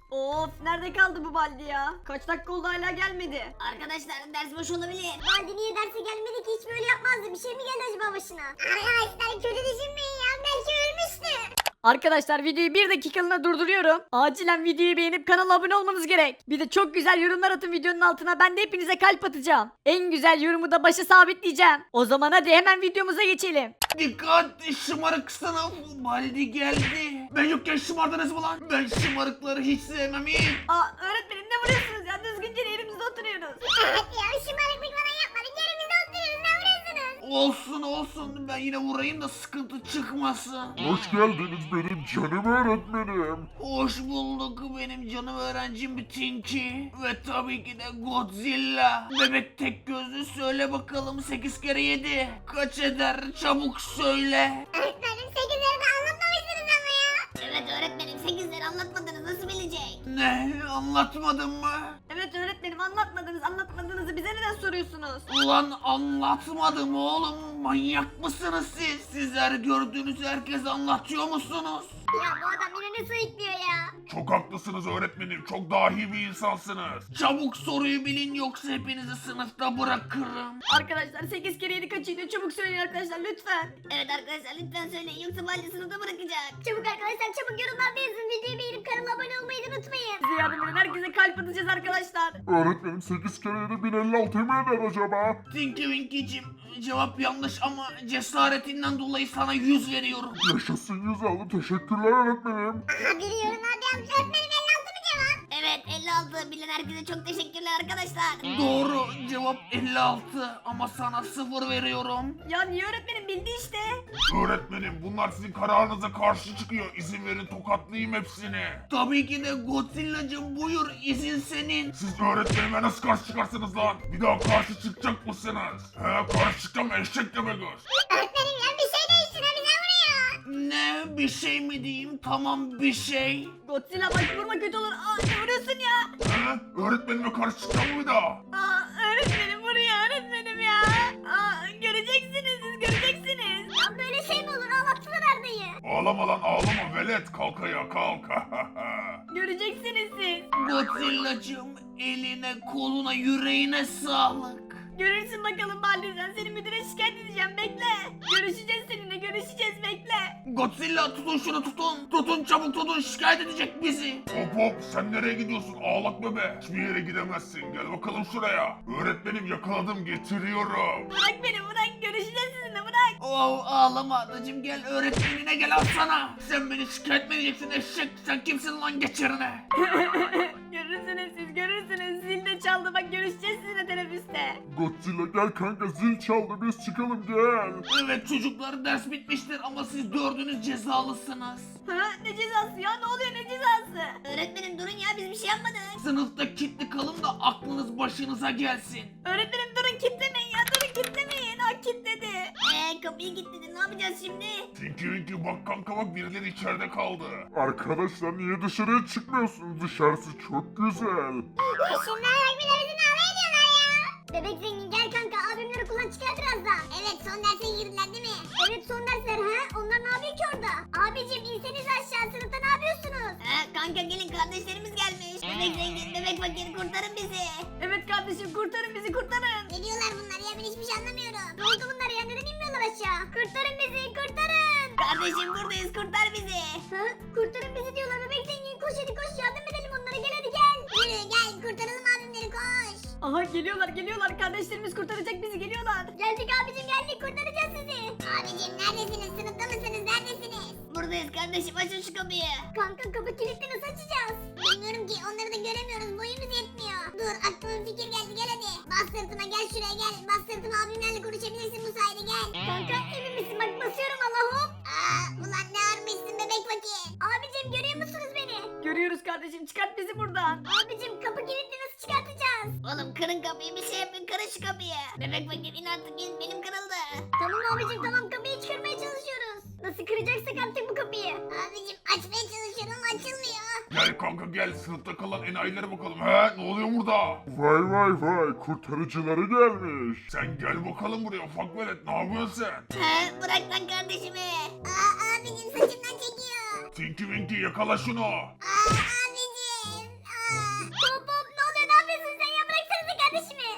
Of, nerede kaldı bu Baldi ya? Kaç dakika oldu hala gelmedi. Arkadaşlar ders boş olabilir. Baldi niye derse gelmedi ki, hiç böyle yapmazdı. Bir şey mi geldi acaba başına? Arkadaşlar kötü düşünmeyin ya, belki ölmüştü. Arkadaşlar videoyu bir dakikalığına durduruyorum. Acilen videoyu beğenip kanala abone olmanız gerek. Bir de çok güzel yorumlar atın videonun altına. Ben de hepinize kalp atacağım. En güzel yorumu da başa sabitleyeceğim. O zaman hadi hemen videomuza geçelim. Dikkat, şımarık sınıf. Baldi geldi. Ben yokken şımardınız mı lan? Ben şımarıkları hiç sevmem. Aa, öğretmenim ne vuruyorsunuz ya? Düzgünce yerimizde oturuyoruz. Evet ya, şımarıklık falan yapmadık. Yerimizde oturuyoruz, ne vuruyorsunuz? Olsun olsun, ben yine vurayım da sıkıntı çıkmasın. Hoş geldiniz benim canım öğretmenim. Hoş bulduk benim canım öğrencim Tinky. Ve tabii ki de Godzilla. Bebek tek gözlü, söyle bakalım 8 kere 7 kaç eder, çabuk söyle. Öğretmenim 8'leri de anlatmamışsınız ama ya. Evet öğretmenim 8'leri anlatmadınız nasıl bilecek? Ne, anlatmadın mı? Evet öğretmenim, anlatmadığınızı bize neden soruyorsunuz? Ulan anlatmadım oğlum, manyak mısınız siz? Sizler gördüğünüz herkese anlatıyor musunuz? Ya bu adam yine ne sayıklıyor ya? Çok haklısınız öğretmenim. Çok dahi bir insansınız. Çabuk soruyu bilin, yoksa hepinizi sınıfta bırakırım. Arkadaşlar 8 kere 7 kaç ediyor? Çabuk söyleyin arkadaşlar lütfen. Evet arkadaşlar lütfen söyleyin yoksa Baldi sınıfta bırakacak. Çabuk arkadaşlar, çabuk yorumlarda yazın. Videoyu beğenip kanala abone olmayı da unutmayın. Size yardım edin, herkese kalp atacağız arkadaşlar. Öğretmenim 8 kere 7 1056 mi eder acaba? Tinky Winky'cim, cevap yanlış ama cesaretinden dolayı sana 100 veriyorum. Yaşasın 100 aldım. Teşekkürler öğretmenim. Aha, biri yorumlarda yazmış. Öğretmenim 56 mı cevap? Evet 56 bilen herkese çok teşekkürler arkadaşlar. Doğru, cevap 56 ama sana 0 veriyorum. Ya niye öğretmenim, bildi işte. Öğretmenim bunlar sizin kararınıza karşı çıkıyor. İzin verin tokatlayayım hepsini. Tabii ki de Godzilla'cım, buyur, izin senin. Siz öğretmenime nasıl karşı çıkarsınız lan? Bir daha karşı çıkacak mısınız? He, karşı çıkacağım eşek göz. Öğretmenim ya, bir şey değişsin, ha bize vuruyor. Ne, bir şey mi diyeyim? Tamam, bir şey. Godzilla bak, vurma, kötü olur. Aa, ne vuruyorsun ya? He, öğretmenime karşı çıkacağım mı bir daha? Aa, öğretmenim vuruyor öğretmenim ya. Aa, göreceksiniz siz, göreceksiniz. Ya böyle şey mi olur? Ağlattılar Arda'yı. Ağlama lan ağlama velet, kalk ayağa kalk. Göreceksiniz siz. Godzilla'cım, eline, koluna, yüreğine sağlık. Görürsün bakalım Baldi, sen seni müdüre şikayet edeceğim, bekle. Görüşeceğiz seninle, görüşeceğiz, bekle. Godzilla, tutun şunu, tutun. Tutun, çabuk tutun, şikayet edecek bizi. Hop hop, sen nereye gidiyorsun ağlak bebe? Hiçbir yere gidemezsin, gel bakalım şuraya. Öğretmenim yakaladım, getiriyorum. Bırak beni, bırak, görüşeceğiz sizinle, bırak. Oh, ağlama adacım, gel öğretmenine gel, al sana. Sen beni şikayet mi edeceksin eşek? Sen kimsin lan, geç yerine. Görürsünüz siz, görürsünüz. Zil de çaldı, bak görüşeceğiz sizinle teneffüste. Godzilla gel kanka, zil çaldı, biz çıkalım gel. Evet çocuklar, ders bitmiştir ama siz dördünüz cezalısınız. Ha, ne cezası ya, ne oluyor, ne cezası? Öğretmenim durun ya biz bir şey yapmadık. Sınıfta kilitli kalın da aklınız başınıza gelsin. Öğretmenim durun, kilitlemeyin ya, durun kilitlemeyin. Ha, kilitledi. Kapıyı kilitledin ne yapacağız şimdi? Tinky Winky bak kanka bak, birileri içeride kaldı. Arkadaşlar niye dışarıya çıkmıyorsunuz? Dışarısı çok güzel. Şunlar birbirlerini alay ediyorlar ya. Bebek zengin gel kanka, abimleri kullan çıkar birazdan. Evet, son derse girdiler değil mi? Evet, son dersler ha. Onlar ne yapıyor ki orada? Abicim inseniz aşağı, sınıfta ne yapıyorsunuz? Kanka gelin kardeşlerimiz gelmiş. Bebek zengin bebek fakir kurtarın bizi. Evet kardeşim, kurtarın bizi, kurtarın. Ne diyorlar bunlar ya, ben hiçbir şey anlamıyorum. Ne oldu bunlar ya, neden inmiyorlar aşağı? Kurtarın bizi, kurtarın. Kardeşim buradayız kurtar bizi. Ha? Kurtarın bizi diyorlar, bebek zengin koş hadi koş, yardım edelim onlara, gel hadi gel. Yürü gel, kurtaralım abimleri, koş. Aha, geliyorlar, kardeşlerimiz kurtaracak bizi, geliyorlar. Geldik abicim, geldik, kurtaracağız sizi. Abicim neredesiniz, sınıfta mısınız, neredesiniz? Buradayız kardeşim açın şu kapıyı. Kanka kapı kilitli, nasıl açacağız? Bilmiyorum ki, onları da göremiyoruz, boyumuz yetmiyor. Dur, aklıma bir fikir geldi, gel hadi. Bas sırtıma, gel şuraya gel. Bas sırtıma, abimlerle konuşabilirsin bu sayede, gel. Kanka emin misin, bak basıyorum valla, hop. Ulan ne ağırmışsın bebek fakir. Abicim görüyor musunuz beni? Görüyoruz kardeşim, çıkart bizi buradan. Abicim kapı kilitli, nasıl çıkartacağız? Oğlum kırın kapıyı bir şey yapın kırın şu kapıyı. Bebek fakir in artık in benim kırıldı. Tamam abicim, tamam, kapıyı çıkarmaya çalışıyoruz. Nasıl kıracaksak artık bu kapıyı. Abicim açmaya çalışıyorum ama açılmıyor. Gel kanka gel, sınıfta kalan enayilere bakalım. He, ne oluyor burada? Vay vay vay, kurtarıcıları gelmiş. Sen gel bakalım buraya ufak velet, ne yapıyorsun sen? Bırak lan kardeşimi. Abicim saçımdan çekiyor. Tinky Winky yakala şunu. Abicim.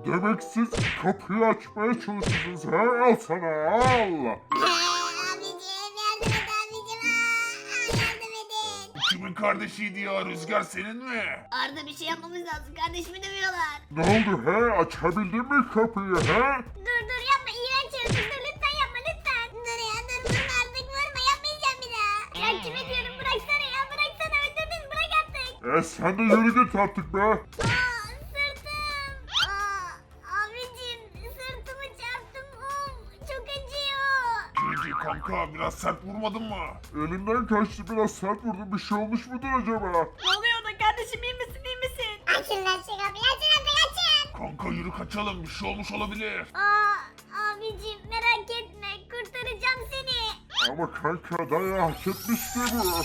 Demek siz kapıyı açmaya çalışıyorsunuz ha? Al sana al. Abicim yardım et abicim. Yardım edin. Kimin kardeşiydi ya? Rüzgar senin mi? Arda bir şey yapmamız lazım. Kardeşimi dövüyorlar. Ne oldu he? Açabildin mi kapıyı he? Dur yapma iğrenç yaratık dur lütfen yapma lütfen. Dur ya dur vurma artık vurma yapmayacağım bir daha. Ya kime diyorum bıraksana ya bıraksana öldürdün bırak artık. Sen de yürü git artık be. Sırtım. Abicim sırtımı çarptım. Çok acıyor. Cici kanka biraz sert vurmadın mı? Elinden kaçtı biraz sert vurdun. Bir şey olmuş mudur acaba? Ne oluyor da kardeşim, iyi misin iyi misin? Açın lan şu kapıyı açın artık açın. Kanka yürü kaçalım. Bir şey olmuş olabilir. Abicim merak etme kurtaracağım seni. Ama kanka dayağı hak etmişti bu.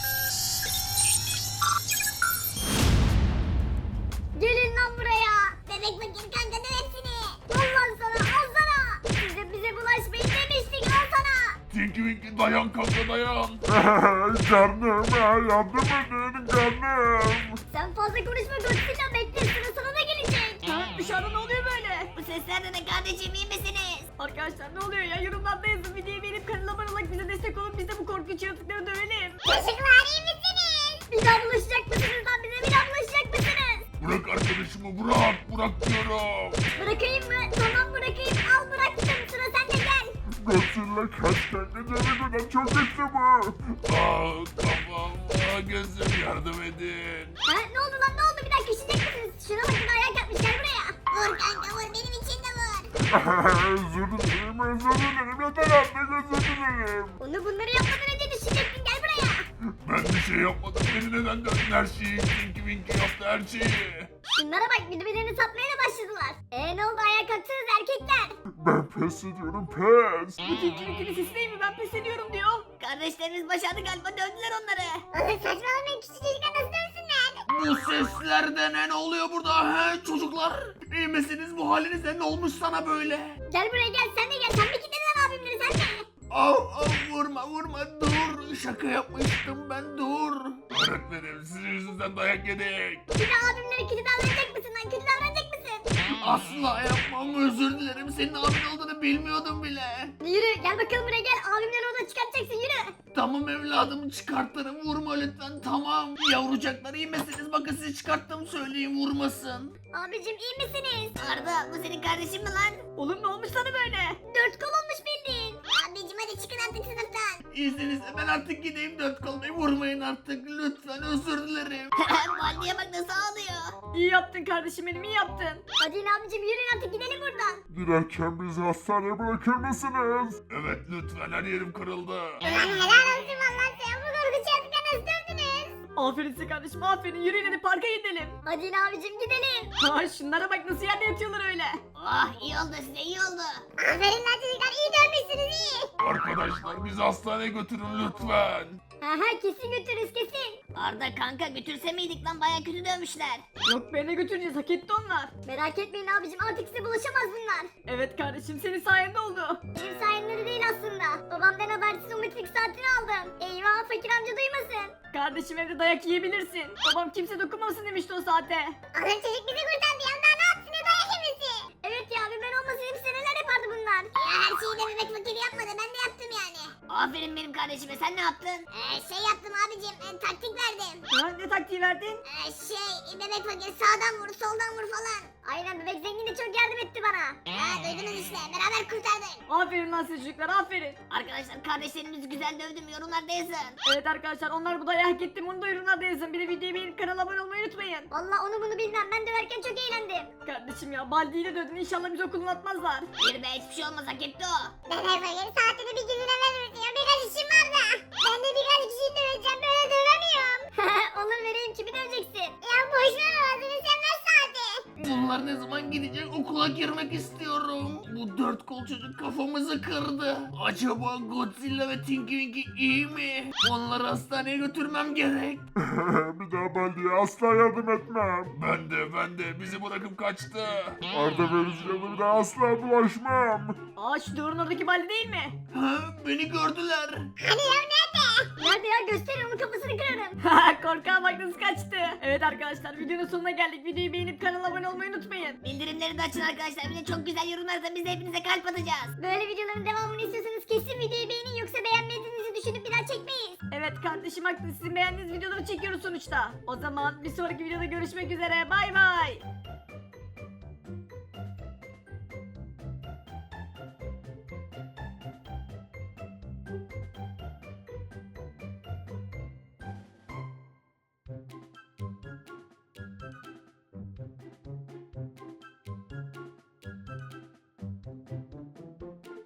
Gelin lan buraya. Bebek fakir kanka döv hepsini. Al lan sana al sana. Size bize bulaşmayın demiştik al sana. Tinky Winky dayan kanka dayan. Canım yardım edin canım. Sen fazla konuşma Godzilla bekle sıra sana da gelecek. Ha, dışarıda ne oluyor böyle? Bu sesler de ne kardeşim, iyi misiniz? Arkadaşlar ne oluyor ya? Yorumlarda yazın, videoyu beğenip kanala abone olarak bize destek olun. Biz de bu korkunç yaratıkları dövelim. Çocuklar iyi misiniz? Bir daha bulaşacak mısınız lan bize bir daha bulaşacak mısınız? Bırak arkadaşımı bırak diyorum. Bırakayım mı? Tamam bırakayım al bıraktım sıra sende gel. Godzilla kaç kanka canım çok kötü bu. Kafam gözüm yardım edin. Ha ne oldu lan ne oldu bir dakika üşüyecek misiniz? Şuna bakın ayak yapmış gel buraya. Vur kanka vur benim için de vur. Özür dilerim yeter artık özür dilerim. Onu bunları yapmadan önce düşecektin gel buraya. Ben bir şey yapmadım beni neden dövdün her şeyi Tinky Winky yaptı her şeyi. Şunlara bak birbirlerini satmaya da başladılar. Ne oldu ayağa kalktınız erkekler? Ben pes ediyorum pes. Bu tilkinin sesi değil mi? Ben pes ediyorum diyor. Kardeşlerimiz başardı galiba, dövdüler onları. Oğlum saçmalamayın küçük çocuklar nasıl dövsünler? Bu sesler de ne oluyor burada he çocuklar? İyi misiniz, bu halinize ne olmuş sana böyle? Gel buraya gel sen de gel sen mi kilitledin lan abimleri sen de? Vurma dur, şaka yapmıştım ben, dur. Öğretmenim sizin yüzünden dayak yedik. Bir de abimleri kötü davranacak mısın lan kötü davranacak mısın? Asla yapmam, özür dilerim, senin abin olduğunu bilmiyordum bile. Yürü gel bakalım buraya gel abimleri oradan çıkartacaksın yürü. Tamam evladım, çıkartırım, vurma lütfen, tamam. Yavrucaklar iyi misiniz, bakın sizi çıkarttım, söyleyin vurmasın. Abicim iyi misiniz? Arda, bu senin kardeşin mi lan? Oğlum ne olmuş sana böyle? 4 kol olmuş bildiğin. Abicim hadi çıkın artık sınıftan. İzninizle ben artık gideyim, dört kalmayı vurmayın artık, lütfen, özür dilerim. Bu anneye bak nasıl ağlıyor. İyi yaptın kardeşim benim, iyi yaptın. Hadi yine abicim yürüyün artık gidelim buradan. Giderken bizi hastaneye bırakır mısınız? Evet lütfen her yerim kırıldı. Ulan helal olsun valla sen bu korkunç yaratıkları nasıl dövdünüz? Aferin size kardeşim, aferin. Yürüyün hadi parka gidelim. Hadi yine abicim gidelim. Ha şunlara bak nasıl yerde yatıyorlar öyle. Oh, iyi oldu size, iyi oldu. Aferin lan çocuklar iyi dövmüşsünüz iyi. Arkadaşlar bizi hastaneye götürün lütfen. Kesin götürürüz kesin. Arda kanka, götürse miydik lan, baya kötü dövmüşler. Yok be, ne götüreceğiz, hak etti onlar. Merak etmeyin abicim artık size bulaşamaz bunlar. Evet kardeşim, senin sayende oldu. Benim sayemde de değil aslında. Babamdan habersiz o metrik saatini aldım. Eyvah fakir amca duymasın. Kardeşim evde dayak yiyebilirsin. Babam kimse dokunmasın demişti o saate. Adam çocuk bizi kurtardı ya daha ne yapsın ne dayak yemesi. Evet ya bir ben olmasaydım size neler yapardı bunlar. Ya her şeyi de bebek fakir yapmadı ben de yaptım yani. Aferin benim kardeşime, sen ne yaptın? Şey yaptım abicim taktik verdim. Ha ne taktiği verdin? Bebek fakir sağdan vur soldan vur falan. Aynen bebek zengin de çok yardım etti bana. Duydunuz işte beraber kurtardık. Aferin lan size çocuklar, aferin. Arkadaşlar kardeşlerimizi güzel dövdüm, yorumlarda yazın. Evet arkadaşlar, onlar bu dayağı hak etti mi onu da yorumlarda yazın. Bir de videoyu beğenip kanala abone olmayı unutmayın. Valla onu bunu bilmem ben döverken çok eğlendim. Kardeşim ya, Baldi'yle dövdün, inşallah bizi okuluna atmazlar. Bir be, hiçbir şey olmaz, hak etti o. Bebek fakir saatini bir gününe verir diyor birkaç işim var da. Ben de birkaç kişiyi döveceğim böyle dövemiyorum. Olur vereyim kimi döveceksin? Ya boşver ağzını sen ver saati. Bunlar ne zaman gidecek, okula girmek istiyorum. Bu dört kol çocuk kafamızı kırdı. Acaba Godzilla ve Tinky Winky iyi mi? Onları hastaneye götürmem gerek. Bir daha Baldi'ye asla yardım etmem. Ben de bizi bırakıp kaçtı. Arda ve Rüzgar'la bir daha asla bulaşmam. Aa şu duvarın oradaki Baldi değil mi? Ha, beni gördüler. Hani ya nerede? Nerede ya göster onu kafasını kırarım. Korkağa bak nasıl kaçtı. Evet arkadaşlar videonun sonuna geldik. Videoyu beğenip kanala abone olmayı unutmayın. Bildirimleri de açın arkadaşlar. Bir de çok güzel yorumlar atın. Biz de hepinize kalp atacağız. Böyle videoların devamını istiyorsanız kesin videoyu beğenin yoksa beğenmediğinizi düşünüp bir daha çekmeyiz. Evet kardeşim haklı. Sizin beğendiğiniz videoları çekiyoruz sonuçta. O zaman bir sonraki videoda görüşmek üzere. Bay bay.